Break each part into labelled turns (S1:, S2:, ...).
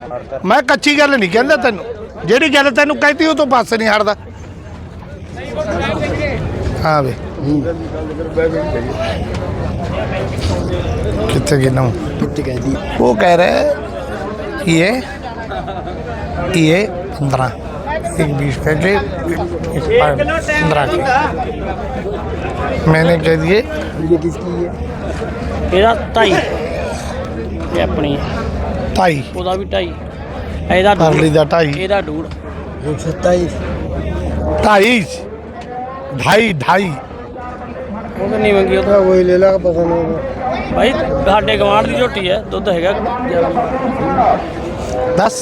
S1: मैं कच्ची गल नहीं कहता तेनू, जेड़ी गल तेनू कहती वो तो पास नहीं हटदा। हाँ वे कितने गिना वो कह रहे ये 15 एक 20 कह के 15 के मैंने कह दिए
S2: ये किसकी है?
S3: ਇਹਦਾ 2.5 ਇਹ ਆਪਣੀ
S1: 2.5
S3: ਉਹਦਾ ਵੀ 2.5 ਇਹਦਾ
S1: परली दा 2.5
S3: ਇਹਦਾ 2.5
S2: 127
S1: 2.5
S3: ਉਹ ਤਾਂ ਨਹੀਂ ਮੰਗੀ ਉਹ ਤਾਂ
S2: वही ले ला पसंद होगा।
S3: ਭਾਈ ਸਾਡੇ ਗਵਾਂਢ ਦੀ ਝੋਟੀ ਹੈ ਦੁੱਧ ਹੈਗਾ
S1: 10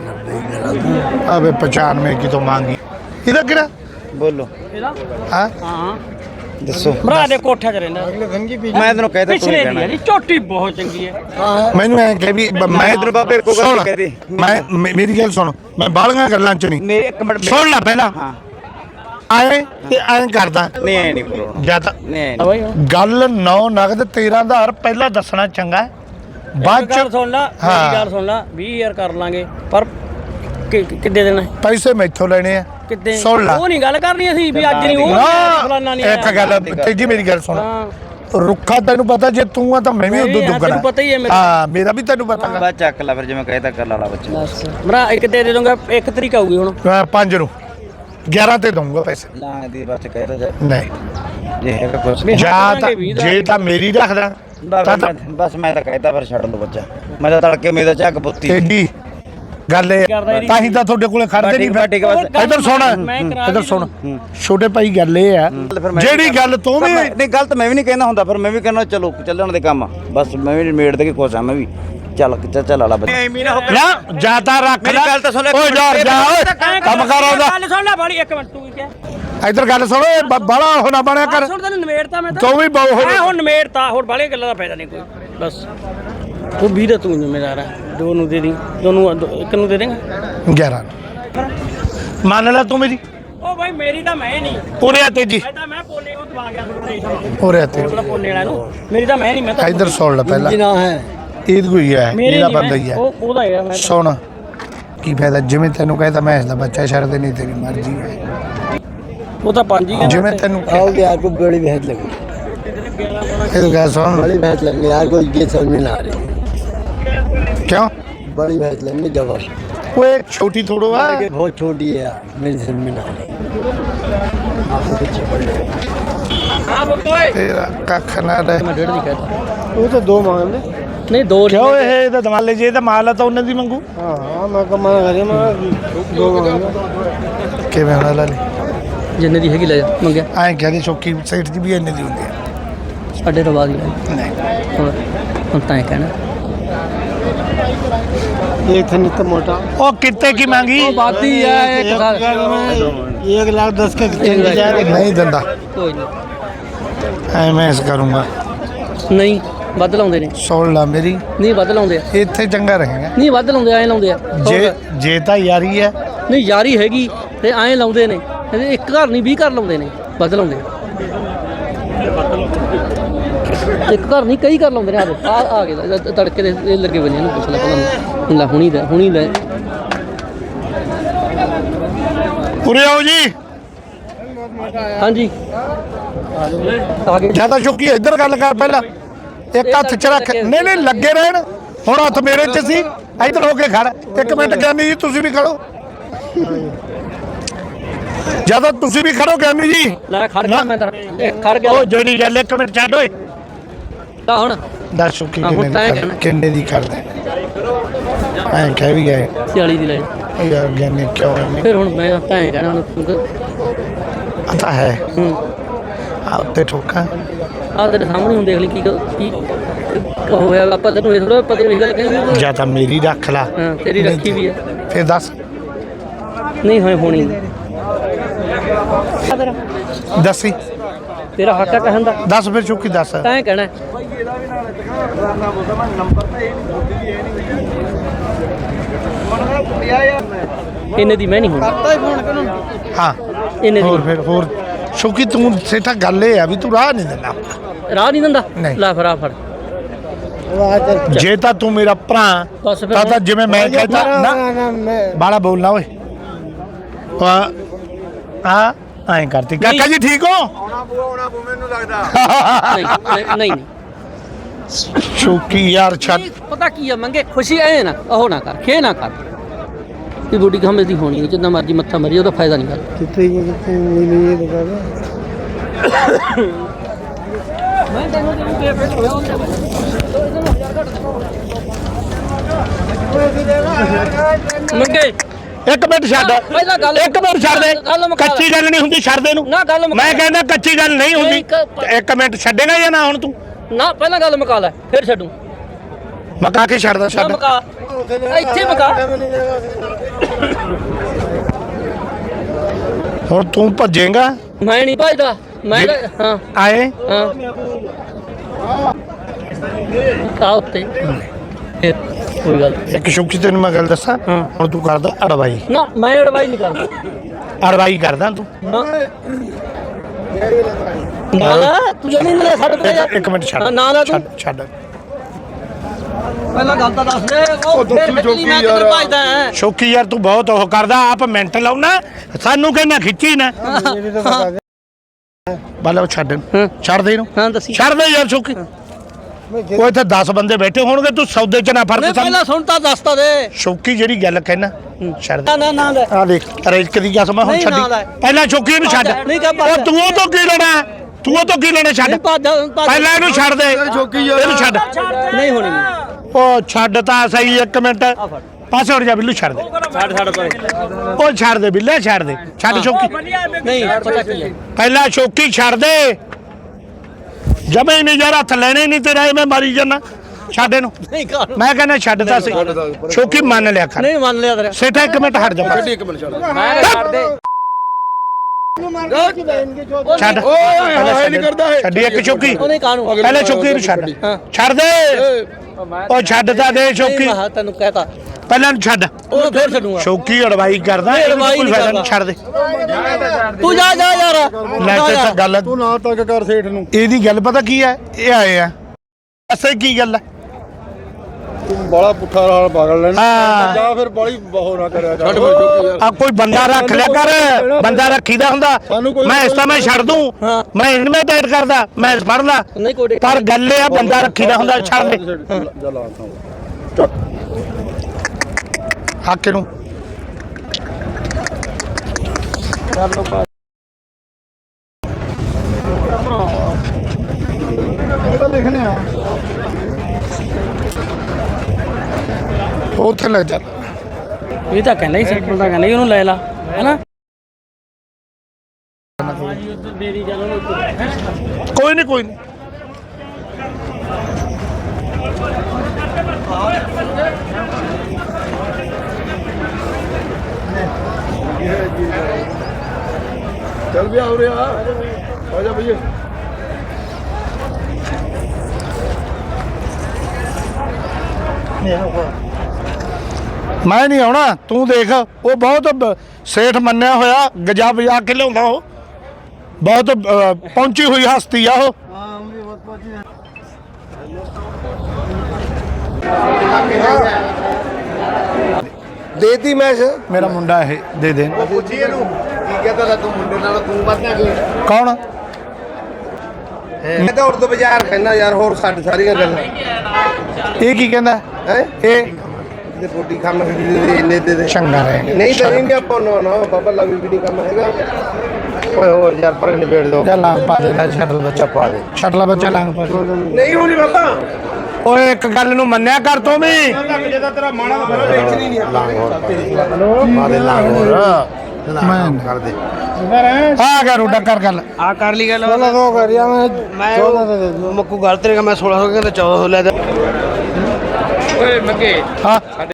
S1: अबे 95 की तो मांगी इधर किरा
S4: बोलो
S3: ਇਹਦਾ
S1: हाँ
S3: ਹਾਂ
S4: दसो
S3: ਭਰਾ ਦੇ ਕੋਠੇ 'ਚ ਰਹਿੰਦਾ
S2: अगले धन की
S4: मैं तेन कहता तू
S3: ਪਿਛਲੇ
S4: कहना
S3: ਦੀ ਝੋਟੀ ਬਹੁਤ ਚੰਗੀ ਹੈ
S1: मैनू ऐ कह भी मैं
S4: इधर बाबे को
S1: सुन,
S4: कह दे।
S1: मेरी गल सुन, मैं बालियां गल्लां च नहीं
S4: मेरे एक मिनट
S1: सुन ला पहला
S4: हाँ
S1: आए ते ऐ करदा
S4: नहीं है नहीं बोलो
S1: ਜਾਂ ਤਾਂ
S4: नहीं
S3: ਭਾਈ
S1: ਗੱਲ 9 ਨਗਦ 13000 ਪਹਿਲਾਂ ਦੱਸਣਾ ਚੰਗਾ ਹੈ। ਬਾਅਦ
S3: ਗੱਲ
S1: ਚ
S3: ਸੁਣ ਲਾ
S1: ਹਾਂ।
S3: ਮੇਰੀ ਗੱਲ ਸੁਣ ਲਾ 20000 ਕਰ ਲਾਂਗੇ ਪਰ ਕਿੱਦੇ ਦੇਣਾ ਹੈ?
S1: ਪੈਸੇ ਮੈਥੋਂ ਲੈਣੇ ਆ
S3: ਕਿੱਦੇ
S1: ਸੁਣ ਲਾ
S3: ਉਹ ਨਹੀਂ ਗੱਲ ਕਰਨੀ ਅਸੀਂ ਵੀ ਅੱਜ ਨਹੀਂ ਉਹ ਫਲਾਨਾ ਨਹੀਂ
S1: ਨਾ ਇੱਕ ਗੱਲ ਤੇਜੀ ਮੇਰੀ ਗੱਲ ਸੁਣ
S3: ਹਾਂ
S1: ਰੁੱਖਾ ਤੈਨੂੰ ਪਤਾ ਜੇ ਤੂੰ ਆ ਤਾਂ ਮੈਂ ਵੀ ਉਦੋਂ
S3: ਹਾਂ,
S1: ਦੁੱਗਣਾ
S3: ਤੈਨੂੰ ਪਤਾ ਹੀ ਹੈ ਮੇਰਾ।
S1: ਹਾਂ ਮੇਰਾ ਵੀ ਤੈਨੂੰ ਪਤਾ
S4: बस चक ला फिर जो मैं कहता कर ला बच्चे
S3: ਭਰਾ ਇੱਕ ਦੇ ਦੂੰਗਾ 1 ਤਰੀਕ ਆਊਗੀ ਹੁਣ
S1: 5 ਨੂੰ 11 ਤੇ ਦਊਂਗਾ ਪੈਸੇ
S4: ना दी बस कहता जा
S1: ਨਹੀਂ
S4: ये है का कुछ
S1: ਜਾਂ ਤਾਂ ਜੇ ਤਾਂ ਮੇਰੀ ਰੱਖਦਾ
S4: बस मैं तो कहता फिर छड़ लो बच्चा मैं तो तड़के मेरे झग पुत्ती
S1: ਤੇਜੀ ਗੱਲ ਇਹ ਤਾਂ ਹੀ ਤਾਂ ਤੁਹਾਡੇ ਕੋਲੇ ਖੜਦੇ ਨਹੀਂ
S4: ਠੀਕ है बस
S1: ਇਧਰ ਸੁਣ ਇਧਰ ਸੁਣ ਛੋਟੇ ਭਾਈ ਗੱਲ ਇਹ ਆ ਜਿਹੜੀ ਗੱਲ ਤੂੰ ਵੀ
S4: नहीं गलत मैं भी नहीं कहना होंदा फिर मैं भी कहना चलो चलन दे काम बस मैं भी मेड़ दे के खुश हां मैं भी चल आला बच्चा
S1: ਨਾ ਜਾਤਾ ਰੱਖ ਲੈ
S4: ਗੱਲ ਤਾਂ ਸੁਣ ਲੈ।
S1: ਓਏ ਜਾ ਜਾ ਓਏ ਕੰਮ ਕਰ ਆਉਂਦਾ
S3: ਗੱਲ ਸੁਣ ਲੈ ਬਾਲੀ 1 ਮਿੰਟ ਤੂੰ ਕੀ ਕਿਹਾ
S1: ਇਧਰ ਗੱਲ ਸੁਣ ਓਏ ਬਾਲਾ ਹੋਣਾ ਬਣਿਆ ਕਰ
S3: ਸੁਣ ਤੈਨੂੰ ਨਿਮੇੜਤਾ ਮੈਂ ਤਾਂ
S1: ਤੂੰ ਵੀ ਬਹੁ
S3: ਮੈਂ ਹੁਣ ਨਿਮੇੜਤਾ ਹੋਰ ਬਾਲੀਆਂ ਗੱਲਾਂ ਦਾ ਫਾਇਦਾ ਨਹੀਂ ਕੋਈ ਬਸ ਤੂੰ 20 ਦਾ ਤੂੰ ਜ਼ਿੰਮੇਦਾਰ ਹੈ ਦੋ ਨੂੰ ਦੇ ਦੀ ਦੋਨੂੰ ਇੱਕ ਨੂੰ ਦੇ ਦੇਂਗਾ
S1: 11 ਮੰਨ ਲੈ ਤੂੰ ਮੇਰੀ
S3: ਉਹ ਭਾਈ ਮੇਰੀ ਤਾਂ ਮੈਂ ਨਹੀਂ
S1: ਉਰੇ ਆ ਤੇਜੀ
S3: ਮੈਂ ਤਾਂ ਮੈਂ ਪੋਲੇ ਉਹ ਦਵਾ ਗਿਆ
S1: ਉਰੇ ਆ ਤੇਜੀ
S3: ਥੋੜਾ ਪੋਲੇ ਵਾਲਾ ਨੂੰ ਮੇਰੀ ਤਾਂ ਮੈਂ ਨਹੀਂ ਮੈਂ ਤਾਂ
S1: ਇਧਰ ਸੁਣ ਲੈ ਪਹਿਲਾਂ
S2: ना है
S1: ਈਦ ਕੋਈ ਹੈ
S3: ਮੇਰੀ
S1: ਇਹਦਾ
S3: ਨਹੀਂ
S1: ਬੰਦਾ ਹੀ ਹੈ
S3: ਉਹ ਉਹਦਾ ਹੈਗਾ ਮੈਂ
S1: ਸੁਣ ਕੀ ਫਾਇਦਾ ਜਿਵੇਂ ਤੈਨੂੰ ਕਹਿੰਦਾ ਮੈਂ ਇਸ ਦਾ ਬੱਚਾ ਛੱਡਦੇ ਨਹੀਂ ਤੇਰੀ ਮਰਜ਼ੀ ਹੈ
S3: ਉਹ ਤਾਂ 5 ਹੀ
S1: ਜਿਵੇਂ ਤੈਨੂੰ
S2: आओगे यार को बड़ी भैंस लगी,
S1: ਇਹ ਗੱਲ ਸੁਣ
S2: बड़ी भैंस लगी यार को ये समझ में ना आ रही।
S1: ਕਿਉਂ
S2: बड़ी भैंस लगनी जबर
S1: ਓਏ ਛੋਟੀ ਥੋੜੋ ਆ
S2: बहुत छोटी है यार, मेरी समझ में ना आ रही।
S3: ਹਾਂ ਬੋਏ
S1: ਤੇਰਾ ਕੱਖ ਨਾ ਰਹਿ
S3: ਮੈਂ ਡੇਢ ਦੀ ਕਹਿਤਾ
S2: वो तो 2 मांग ले।
S3: ਨਹੀਂ ਦੋ
S1: ਕਿਉਂ ਇਹ ਇਹਦਾ ਦਮਾਲੇ ਜੇ ਇਹਦਾ ਮਾਲ ਆ ਤਾਂ ਉਹਨਾਂ ਦੀ ਮੰਗੂ
S2: हाँ मैं कमा करे मैं 2 मांग
S1: ਕਿਵੇਂ ਹੋਣਾ ਲੈ
S3: ਜਿੰਨੇ ਦੀ ਹੈਗੀ ਲੈ ਜਾ ਮੰਗਿਆ
S1: ਐਂ ਕਹਿੰਦੇ ਚੌਕੀ ਸਾਈਡ ਦੀ ਵੀ ਇੰਨੇ ਦੀ ਹੁੰਦੀ ਹੈ
S3: ਸਾਡੇ ਰਵਾ ਦੀ ਲੈ
S1: ਨਹੀਂ
S3: ਹੁਣ ਤਾਂ ਇਹ ਕਹਿਣਾ
S2: एक था नित्य मोटा
S1: ਉਹ ਕਿੱਤੇ ਕੀ ਮੰਗੀ
S3: ਬਾਤੀ ਹੈ ਇੱਕ ਸਾਲ
S2: 1,10,000 का
S1: ਨਹੀਂ ਦਿੰਦਾ
S3: ਕੋਈ ਨਹੀਂ
S1: ਐ ਮੈਂ ਇਸ ਕਰੂੰਗਾ
S3: ਨਹੀਂ ਵੱਧ ਲਾਉਂਦੇ ਨੇ
S1: ਸੁਣ ਲਾ ਮੇਰੀ
S3: ਨਹੀਂ ਵੱਧ ਲਾਉਂਦੇ ਆ
S1: ਇੱਥੇ ਚੰਗਾ ਰਹੇਗਾ
S3: ਨਹੀਂ ਵੱਧ ਲਾਉਂਦੇ ਐਂ ਲਾਉਂਦੇ ਆ
S1: ਜੇ ਤਾਂ ਯਾਰੀ ਹੈ
S3: ਨਹੀਂ ਯਾਰੀ ਹੈਗੀ ਤੇ ਐਂ ਲਾਉਂਦੇ ਨੇ ਇਹਦੇ ਇੱਕ ਘਰ ਨਹੀਂ 20 ਘਰ ਲਾਉਂਦੇ ਨੇ ਵੱਧ ਲਾਉਂਦੇ ਇੱਕ ਘਰ ਨਹੀਂ ਕਈ ਘਰ ਲਾਉਂਦੇ ਨੇ ਆ ਗਏ ਤੜਕੇ ਦੇ ਇਹ ਲੱਗੇ ਬਣੇ ਇਹਨੂੰ ਪੁੱਛ ਲੈ ਪਹਿਲਾਂ ਲੈ ਹੁਣੀ ਲੈ
S1: ਉਰੇ ਆਓ ਜੀ
S3: ਹਾਂਜੀ ਆ ਗਏ
S1: ਜਾਂ ਤਾਂ ਚੁੱਕੀ ਇੱਧਰ ਗੱਲ ਕਰ ਪਹਿਲਾਂ ਇੱਕ ਹੱਥ ਚ ਰੱਖ ਨਹੀਂ ਨਹੀਂ ਲੱਗੇ ਰਹਿਣ ਹੁਣ ਹੱਥ ਮੇਰੇ ਚ ਸੀ ਇੱਧਰ ਹੋ ਕੇ ਖੜ ਇੱਕ ਮਿੰਟ ਗਿਆਨੀ ਜੀ ਤੁਸੀਂ ਵੀ ਖੜੋ ਜਦੋਂ ਤੁਸੀਂ ਵੀ ਖੜੋ ਗਿਆਨੀ ਜੀ
S3: ਲੈ ਖੜ ਗਿਆ ਮੈਂ ਤਾਂ ਖੜ ਗਿਆ
S1: ਉਹ ਜਿਹੜੀ ਗੱਲ ਇੱਕ ਮਿੰਟ ਛੱਡ ਓਏ
S3: ਤਾਂ ਹੁਣ
S1: ਦੱਸ ਚੁੱਕੀ
S3: ਹਾਂ, ਹੁਣ ਤਾਂ ਇਹ ਕਹਿਣਾ।
S1: ਕਿੰਨੇ ਦੀ ਕਰਦਾ ਐਂ ਕਹਿ ਵੀ ਗਏ
S3: 40 ਦੀ ਲੈ
S1: ਯਾਰ ਗਿਆਨੀ ਕਿਉਂ ਐਵੇਂ
S3: ਫਿਰ ਹੁਣ ਮੈਂ ਤਾਂ ਐਂ ਕਹਿਣਾ ਹੁਣ
S1: ਪਤਾ ਹੈ
S3: ਹੂੰ
S1: ਆ ਉੱਤੇ ਠੋਕਾ
S3: ਆਹ ਤੇਰੇ ਸਾਹਮਣੇ ਹੁਣ ਦੇਖ ਲਈ ਕੀ ਹੋਇਆ ਆਪਾਂ ਤੈਨੂੰ ਇਹ ਥੋੜਾ ਪਤਾ ਨਹੀਂ ਗੱਲ ਕਹਿੰਦੇ
S1: ਜਾਂ ਤਾਂ ਮੇਰੀ ਰੱਖ ਲਾ
S3: ਹਾਂ ਤੇਰੀ ਰੱਖੀ ਵੀ ਹੈ
S1: ਫਿਰ ਦੱਸ
S3: ਨਹੀਂ ਹੋਣੀ ਨਹੀਂ
S1: ਦੱਸੀ
S3: ਤੇਰਾ ਹੱਕ ਹੈ ਕਹਿਣ ਦਾ
S1: ਦੱਸ ਫਿਰ ਚੁੱਕੀ ਦੱਸ
S3: ਤਾਂ ਐਂ ਕਹਿਣਾ ਇੰਨੇ ਦੀ ਮੈਂ ਨਹੀਂ ਹੋਣੀ
S1: ਹਾਂ
S3: ਇੰਨੇ
S1: ਹੋਰ
S3: ਦੀ
S1: ਫਿਰ ਹੋਰ ਸ਼ੁਕੀ ਤੂੰ ਸੇਠਾ ਗੱਲ ਇਹ ਆ ਵੀ ਤੂੰ ਰਾਹ ਨਹੀਂ ਦਿੰਦਾ
S3: ਰਾਹ ਨਹੀਂ ਦਿੰਦਾ
S1: ਨਹੀਂ।
S3: ਲੈ ਫੜਾ ਫੜ
S2: वो आ चल
S1: ਜੇ ਤਾਂ ਤੂੰ ਮੇਰਾ ਭਰਾ
S3: ਬਸ ਫਿਰ
S1: ਤਾਂ ਜਿਵੇਂ ਮੈਂ ਕਹਿੰਦਾ ਨਾ
S2: ना मैं
S1: ਬਾਲਾ ਬੋਲਣਾ ਓਏ ਆ ਐਂ ਕਰਤੀ ਕਾਕਾ ਜੀ ਠੀਕ ਹੋ
S3: ਨਹੀਂ ਨਹੀਂ
S1: ਸ਼ੌਕੀ ਯਾਰ ਛੱਡ
S3: ਪਤਾ ਕੀ ਆ ਮੰਗੇ ਖੁਸ਼ੀ ਐ ਨਾ ਉਹ ਨਾ ਕਰ ਖੇ ਨਾ ਕਰ ਇਹ ਬੋਡੀ ਹਮੇ ਦੀ ਹੋਣੀ ਹੈ ਜਿੰਨਾ ਮਰਜੀ ਮੱਥਾ ਮਰੀ ਉਹਦਾ ਫਾਇਦਾ ਨਹੀਂ ਕਰ
S2: कितने मिली ये दुकान
S3: ਮੈਂ ਤੈਨੂੰ ਦੇ ਫੇਰ ਹੋਇਆ ਮੰਗੇ
S1: ਇੱਕ ਮਿੰਟ ਛੱਡ
S3: ਪਹਿਲਾਂ ਗੱਲ
S1: ਇੱਕ ਮਿੰਟ ਛੱਡ ਦੇ
S3: ਗੱਲ ਮੁਕਾ ਲੈ।
S1: ਕੱਚੀ ਗੱਲ ਨਹੀਂ ਹੁੰਦੀ ਛੱਡ ਦੇ ਨੂੰ
S3: ਨਾ ਗੱਲ ਮੁਕਾ
S1: ਮੈਂ
S3: ਲੈ।
S1: ਕਹਿੰਦਾ ਕੱਚੀ ਗੱਲ ਨਹੀਂ ਹੁੰਦੀ ਇੱਕ ਮਿੰਟ ਛੱਡੇਗਾ ਜਾਂ ਨਾ ਹੁਣ ਤੂੰ
S3: ਨਾ ਪਹਿਲਾਂ ਗੱਲ ਮੁਕਾ ਲੈ ਫਿਰ ਛੱਡੂ
S1: ਮਕਾ ਕੇ ਛੱਡਦਾ
S3: ਨਾ
S1: ਛੱਡ
S3: ਮੁਕਾ ਇੱਥੇ ਮੁਕਾ
S1: ਹੁਣ ਤੂੰ ਭੱਜੇਗਾ
S3: ਮੈਂ ਨਹੀਂ ਭਜਦਾ ਮੈਂ ਹਾਂ
S1: ਆਏ
S3: ਹਾਂ ਕਾ ਉੱਤੇ ਫਿਰ ਕੋਈ ਗੱਲ
S1: ਇੱਕ ਸ਼ੌਕੀ ਤੈਨੂੰ ਮੈਂ ਗੱਲ ਦੱਸਾਂ
S3: ਹਾਂ।
S1: ਹੁਣ ਤੂੰ ਕਰਦਾ ਅੜਵਾਈ
S3: ਨਾ ਮੈਂ ਐਡਵਾਈਸ ਨਹੀਂ ਕਰਦਾ
S1: ਅੜਵਾਈ ਕਰਦਾ ਤੂੰ
S3: ਹਾਂ ਨਾ ਨਾ ਤੂੰ ਜਮੀ ਮੇਰੇ ਛੱਡ ਦੇ ਯਾਰ
S1: ਇੱਕ ਮਿੰਟ ਛੱਡ
S3: ਨਾ ਨਾ ਤੂੰ
S1: ਛੱਡ
S3: ਪਹਿਲਾਂ ਗੱਲ ਤਾਂ ਦੱਸ ਦੇ ਉਹ ਫਿਰ ਖਿੱਚੀ ਮੈਂ ਕਿੱਧਰ ਭਜਦਾ ਹੈ
S1: ਸ਼ੌਕੀ ਯਾਰ ਤੂੰ ਬਹੁਤ ਉਹ ਕਰਦਾ ਆਪ ਮਿੰਟ ਲਾਉਣਾ ਸਾਨੂੰ ਕਹਿੰਦਾ ਖਿੱਚੀ ਨਾ
S2: ये भी तो बता दे
S1: ਬਾਲਾ ਉਹ ਛੱਡ
S3: ਹਾਂ।
S1: ਛੱਡ ਦੇ ਇਹਨੂੰ
S3: ਹਾਂ ਦੱਸੀ
S1: ਛੱਡ ਦੇ ਯਾਰ ਸ਼ੌਕੀ
S2: मैं
S1: ਉਹ ਇੱਥੇ 10 ਬੰਦੇ ਬੈਠੇ ਹੋਣਗੇ ਤੂੰ ਸੌਦੇ 'ਚ ਨਾ
S3: ਨਹੀਂ
S1: ਫਰਕ
S3: ਪਹਿਲਾਂ ਸੁਣ ਤਾਂ ਦੱਸ ਤਾਂ ਦੇ
S1: ਸ਼ੌਕੀ ਜਿਹੜੀ ਗੱਲ ਕਹਿਣਾ ਛੱਡ ਦੇ
S3: ਨਾ ਨਾ ਲੈ
S1: ਆ ਦੇਖ ਰੇਜਕ ਦੀ ਕਸਮ ਆ, ਹੁਣ
S3: ਨਹੀਂ,
S1: ਛੱਡੀ
S3: ਨਾ ਲੈ।
S1: ਪਹਿਲਾਂ ਸ਼ੌਕੀ ਨੂੰ ਛੱਡ
S3: ਨਹੀਂ ਕਰ
S1: ਉਹ ਤੂੰ ਉਹ ਤੋਂ ਕੀ ਲੈਣਾ ਤੂੰ ਉਹ ਤੋਂ ਕੀ ਲੈਣਾ ਛੱਡ
S3: ਨਹੀਂ ਭੱਜ
S1: ਪਹਿਲਾਂ ਇਹਨੂੰ ਛੱਡ ਦੇ ਇਹਨੂੰ ਛੱਡ
S3: ਨਹੀਂ ਹੋਣੀ ਨਹੀਂ
S1: ਉਹ ਛੱਡ ਤਾਂ ਸਹੀ ਇੱਕ ਮਿੰਟ ਪਾਸੇ ਹਟ ਜਾ ਬਿੱਲੂ ਛੱਡ ਦੇ
S3: ਛੱਡ ਪਰੇ
S1: ਉਹ ਛੱਡ ਦੇ ਬਿੱਲੇ ਛੱਡ ਦੇ ਛੱਡ ਸ਼ੌਕੀ
S3: ਨਹੀਂ ਪਤਾ ਕੀ ਹੈ
S1: ਪਹਿਲਾਂ ਸ਼ੌਕੀ ਛੱਡ ਦੇ ਜਮੇ ਹੀ ਨਹੀਂ ਯਾਰ ਹੱਥ ਲੈਣੇ ਹੀ ਨਹੀਂ ਤੇਰਾ ਮੈਂ ਮਾਰੀ ਜਾਣਾ ਛੱਡ ਇਹਨੂੰ
S3: ਨਹੀਂ ਕਰ
S1: ਮੈਂ ਕਹਿੰਦਾ ਛੱਡ ਤਾਂ ਸਹੀ ਸ਼ੌਕੀ ਮੰਨ ਲਿਆ ਕਰ
S3: ਨਹੀਂ ਮੰਨ ਲਿਆ ਤੇਰਾ
S1: ਸੇਠਾ ਇੱਕ ਮਿੰਟ ਹਟ ਜਾ
S3: ਮੈਂ ਛੱਡ ਦੇ
S1: ਛੱਡ ਛੱਡੀ ਇੱਕ ਸ਼ੌਕੀ
S3: ਉਹਨੇ ਕਾਹਨੂੰ
S1: ਪਹਿਲਾਂ ਸ਼ੌਕੀ ਨੂੰ ਛੱਡ
S3: ਹਾਂ।
S1: ਛੱਡ ਦੇ ਉਹ ਛੱਡ ਤਾਂ ਦੇ ਸ਼ੌਕੀ
S3: ਨਹੀਂ ਮੈਂ ਤੈਨੂੰ ਕਹਤਾ
S1: ਪਹਿਲਾਂ ਨੂੰ ਛੱਡ
S3: ਉਹ ਫੇਰ ਛੱਡੂਗਾ
S1: ਸ਼ੌਕੀ ਅੜਵਾਈ ਕਰਦਾ ਇਹਨੂੰ
S3: ਅੜਵਾਈ
S1: ਕੋਈ
S3: ਨਹੀਂ
S1: ਫਾਇਦਾ ਨਹੀਂ
S3: ਕਰਦਾ।
S1: ਛੱਡ ਦੇ
S3: ਤੂੰ ਜਾ ਜਾ ਯਾਰ
S1: ਲੈ ਤੇ ਤਾਂ ਗੱਲ
S2: तू ना तक कर सेठ नु
S1: ਇਹਦੀ ਗੱਲ ਪਤਾ ਕੀ ਹੈ ਇਹ ਆਏ ਆ ਅਸੇ ਕੀ ਗੱਲ ਹੈ
S2: तू बड़ा पुठा हाल पागल लेना
S1: ਹਾਂ
S2: जा फिर बड़ी बहु ना करया कर
S1: ਆ ਕੋਈ ਬੰਦਾ ਰੱਖ ਲਿਆ ਕਰ ਬੰਦਾ ਰੱਖੀਦਾ ਹੁੰਦਾ
S2: ਸਾਨੂੰ ਕੋਈ-
S1: ਮੈਂ ਇਸ ਤਾਂ ਮੈਂ ਛੱਡ ਦੂੰ
S3: ਹਾਂ।
S1: ਮੈਂ ਇਨਵੇਂ ਟਾਈਟ ਕਰਦਾ ਮੈਂ ਫੜਦਾ
S3: ਨਹੀਂ ਕੋਈ
S1: ਪਰ ਗੱਲ ਇਹ ਆ ਬੰਦਾ ਰੱਖੀਦਾ ਹੁੰਦਾ ਛੱਡ ਦੇ
S2: जला
S1: ਹੱਕ ਨੂੰ
S2: लिखने आ
S1: ਉੱਥੇ ਲੱਗ ਜਾ
S3: ਇਹ ਤਾਂ ਕਹਿੰਦਾ ਹੀ ਸਿੰਪਲ ਤਾਂ ਕਹਿੰਦਾ ਹੀ ਉਹਨੂੰ ਲੈ ਲਾ ਹੈਨਾ
S1: ਕੋਈ ਨਹੀਂ ਕੋਈ ਨਹੀਂ
S2: चल भी आओ रे आ जा भैया
S1: ਮੈਂ ਨਹੀਂ ਆਉਣਾ ਤੂੰ ਦੇਖ ਉਹ ਬਹੁਤ ਸੇਠ ਮੰਨਿਆ ਹੋਇਆ ਗਜਾ ਬਜਾ ਕੇ ਲਿਆਉਂਦਾ ਉਹ ਬਹੁਤ ਪਹੁੰਚੀ ਹੋਈ ਹਸਤੀ ਆ ਉਹ
S2: देती मैं से
S1: ਮੇਰਾ ਮੁੰਡਾ ਇਹ ਦੇ ਦੇ
S2: पूछी ਇਹਨੂੰ ਕੀ ਕਹਤਾ ਤੂੰ ਮੁੰਡੇ ਨਾਲ ਤੂੰ ਵੱਧਣਾ ਕਿ
S1: ਕੌਣ
S2: ਮੈਂ ਤਾਂ ਉਰਦੂ ਬਾਜ਼ਾਰ ਕਹਿੰਦਾ ਯਾਰ ਹੋਰ ਸਾਡੀ ਸਾਰੀਆਂ ਗੱਲਾਂ
S1: ਇਹ ਕੀ ਕਹਿੰਦਾ
S2: ਹੈ
S1: ਇਹ
S2: ਤੇ ਪੋਟੀ ਕੰਮ ਇੰਨੇ ਦੇ
S1: ਚੰਗਾ ਰਹੇ
S2: ਨਹੀਂ ਕरेंगे ਆਪਾਂ ਨਾ ਬਾਬਾ ਲਵੀ ਵੀ ਨਹੀਂ ਕੰਮ ਹੈਗਾ ਓਏ ਹੋਰ ਯਾਰ ਪਰ ਨਿਬੇੜ ਦੋ
S1: ਜਾਂ ਲਾਂਗ ਪਾ ਦੇ ਲੈ ਛੱਡ ਬੱਚਾ ਪਾ ਦੇ ਛੱਡ ਲਾ ਬੱਚਾ ਲਾਂਗ ਪਾ ਦੇ
S2: ਨਹੀਂ ਹੋਣੀ ਬਾਬਾ
S1: ਓਏ ਇੱਕ ਗੱਲ ਨੂੰ ਮੰਨਿਆ ਕਰ ਤੂੰ ਵੀ
S2: ਜਿਹਦਾ ਤੇਰਾ ਮਾਣਾ ਦਾ ਵੇਚਣੀ ਨਹੀਂ
S1: ਪਾ ਦੇ ਲਾਂਗ ਹੋਰ ਮੈਂ ਕਰ ਦੇ ਆ ਗਿਆ ਰੋਡਾ ਕਰ ਗੱਲ
S3: ਆ ਕਰ ਲਈ ਗੱਲ
S2: चलो दो करिया मैं 14 दे दो
S3: ਮੱਕੂ ਗੱਲ ਤੇਰੇ ਮੈਂ 1600 ਕਹਿੰਦਾ 1400 ਲੈ ਦੇ ਓਏ ਮੱਗੇ
S1: ਹਾਂ